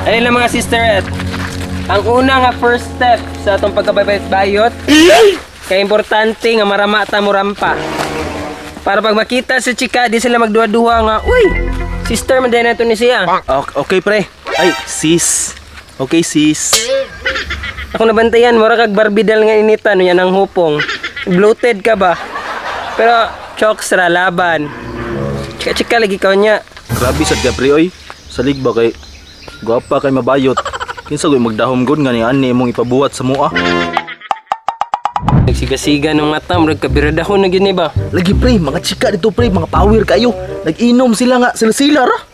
Ayun lang mga sisterette. Ang una nga first step sa atong pagkabayot-bayot, kaya importante nga maramata mo rampa. Para pag makita si chika, di sila magduwa-duwa nga, uy, sister, manday na ito ni siya. Okay, pre. Ay, sis. Okay, sis. Ako nabantayan, mura kag barbidal nga inita, no yan ang hupong. Bloated ka ba? Pero, chokes ra, laban. Chika-chika lagi ka niya. Grabe sad ka, pre, oy. Salig ba kay guwapa kay mabayot. Kinsa goy magdahom gud nga ni ani mong ipabuhat sa mua. Nagsigasiga ng mata, murag kabiradahon na gini ba? Lagi, pre, mga chika dito, pre, mga power kayo. Nag-inom sila nga, sila-sila ra.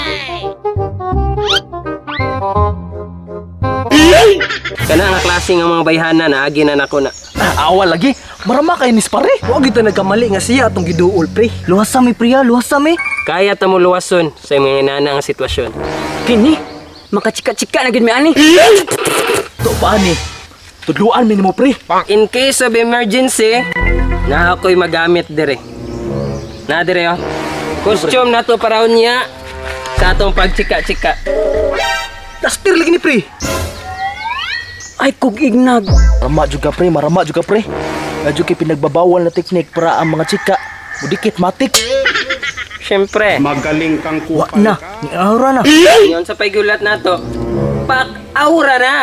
Kana nga klase nga mga bayhana na agi na nako na. Awal lagi. Marama kay nis pare. Huwag ito nagkamali nga siya atong giduol, pre. Luwasa mi, priya, luwasa mi. Kaya ta mo luwason sa mga inana nga sitwasyon. Kini, makachika-chika na gid mi ani. To pa ni. Tudluan mi nimo, pre. In case of emergency, na ako'y magamit dire. Na dire oh. Costume na to para niya sa atong pagchika-chika. Laspir lagi ni, pre. Ay, kog ignag. Marama juga, pre, marama juga, pre. Medyo kay pinagbabawal na teknik para ang mga chika mudikit matik. Siyempre, Magaling kang Wa kupal na, ka. ni aura na. yun sa paigulat na to. Pak-aura na!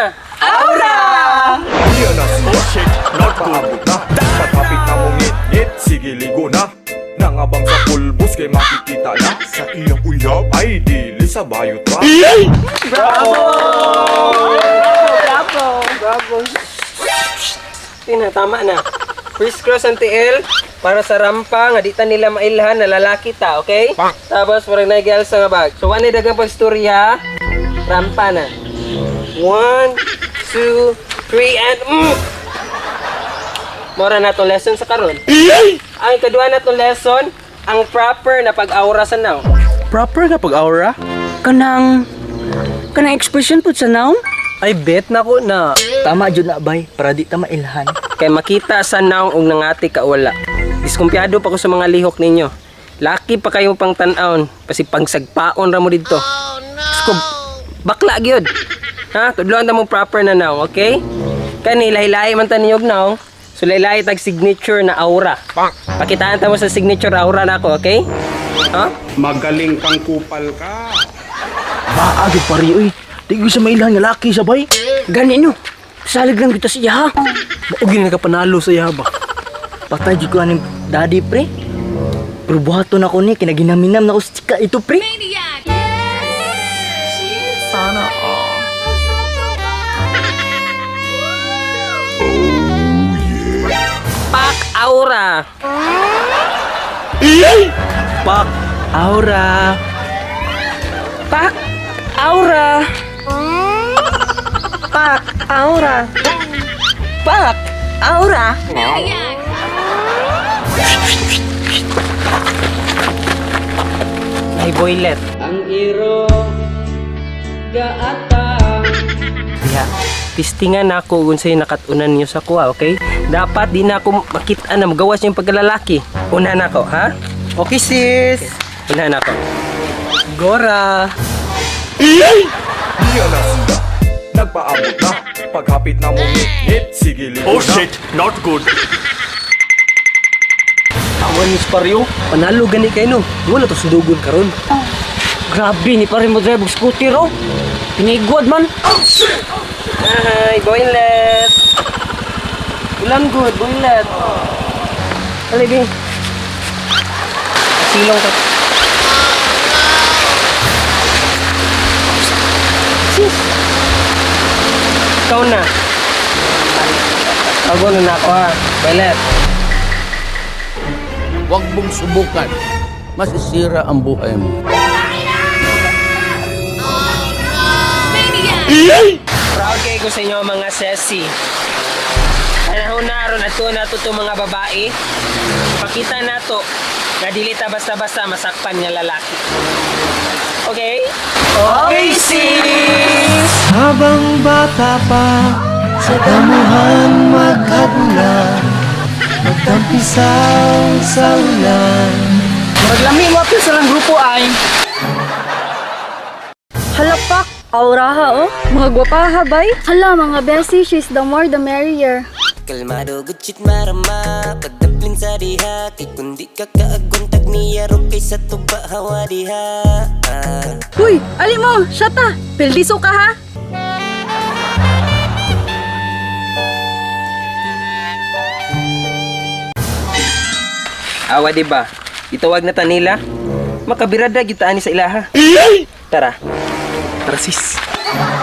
Yan na siya, shake, not good na. Pagkapit na mong ngit, sige ligo na. Nangabang sa pulbos kay makikita na. Sa iyong uyab ay dili sa bayot pa. Tama na. Crisscross ang TL para sa rampa nga di ta nila mailhan na lalaki ta, okay? Tapos parang nag-gals sa nga bag. So, wala dagang pagstorya, rampa na. 1, 2, 3, and Mora na itong lesson sa karon. Ang kadua na itong lesson, ang proper na pag-aura sa now. Proper nga pag-aura? Kanang expression po sa naong? Ay, bet na ko na. Tama jud na, bay, para di ta mailhan. Kay makita sa now og nangati ka wala. Diskumpiyado pa ko sa mga lihok ninyo. Laki pa kayo pang tan-aon, pasi pangsagpaon ra mo didto. Oh, bakla gyud. Ha, tudloan ta mo proper na now, okay? Kani lahi-lahi man ta ninyo og now. So lahi-lahi tag signature na aura. Pakitaan ta mo sa signature aura nako, okay? Ha? Magaling kang kupal ka. Maagid pare, oy. Di ko sa mailhan nga laki siya, bay. Gani no. Salig lang kita siya, ha? Maugin nga kapanalo sa yaba. Patay jud ko aning daddy, pre. Pero buhaton ako ni kinaginaminam na ustika ito, pre. Pak-aura. Pak-aura. Pak-aura. Pak-aura. Pak-aura. Ay boylet. Ang iro gaatang. Yeah. Tistingan na ako kung sa'yo nakatunan niyo sa kuha, okay? Dapat di na ako makita na magawas yung pagkalalaki. Una na ako, ha? Okay, sis. Una na ako. Gora. Yan na siya, nagpaabot na. Pagkapit na mong ngit, sige ligo na. Oh shit, not good. Awan ni Sparyo. Panalo gani kayo, no? Wala to sundugon karon. Grabe, ni pare mo drive og scooter, oh. Pinigwad man. Hi, boylet. Ulan good, boylet. Alibi. Silong ka. Sis. Ikaw na. Tago na ako ha. Boylet. Huwag mong subukan. Masisira ang buhay mo. Proud kayo ko sa inyo mga sesi. Panahon na ron at itong mga babae. Pakita na to na dili ta basta-basta masakpan nga lalaki. Okay? Okay, sis! Habang bata pa, sa damuhan magkagulan, magtampisaw sa ulan. Maglami mo apil sa lang grupo ay. Halapak, Aura ha, oh. Mga gwapaha, bay. Hala, mga besi, she's the more the merrier. Kalmado gutsit marama pagdapling sa diha kay kundi ka kaagontag niya ro kay sa tuba hawa diha. Uy, ali mo, shata. Pildiso ka ha. Awa di ba? Itawag na tanila. Makabirada gyud ta ani sa ilaha. Tara. Tara sis.